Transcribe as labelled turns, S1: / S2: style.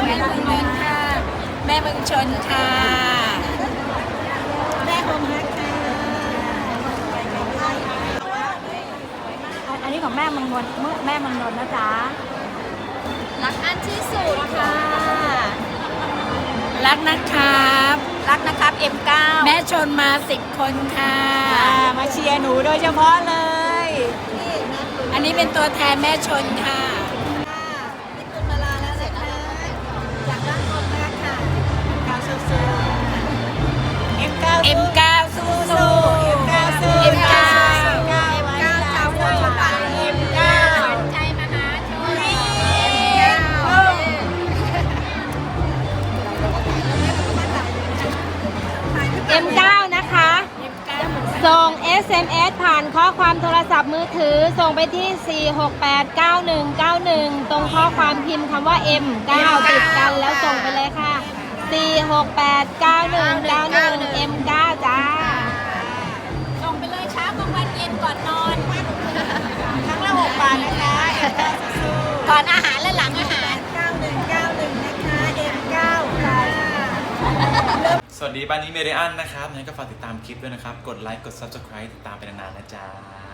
S1: ม่เมืองนนท์ค่ะแม่เมืองชนค่ะแม่คงฮักค่ะอันนี้ของแม่เมืองนนท์แม่เมืองนนท์นะจ๊ะรักอันที่สุดค่ะรักนะครับM9 แม่ชนมา10 คนค่ะมาเชียร์หนูโดยเฉพาะเลยอันนี้เป็นตัวแทนแม่ชนค่ะนี่คุณมาลาแล้วนะคะจากบ้านคนมากค่ะM9 สู้M9 สู้M9 ชาวคนป่าM9 ใจมหาชนM9 นะคะ ส่ง SMS ผ่านข้อความโทรศัพท์มือถือส่งไปที่ 4689191 ตรงข้อความพิมพ์คำว่า M9 ติดกันแล้วส่งไปเลยค่ะ 4689191 M9 จ้าส่งไปเลยเช้ากลางวันเย็นก่อนนอนครั้งละ6 บาทนะคะก่อนอาหารและหลังอาหาร9191นะคะ M9 ค่ะ
S2: สวัสดีบ้านนี้เมเดียนนะครับงั้นก็ฝากติดตามคลิปด้วยนะครับ กดไลค์ กด Subscribe ติดตามไปนานๆนะจ๊ะ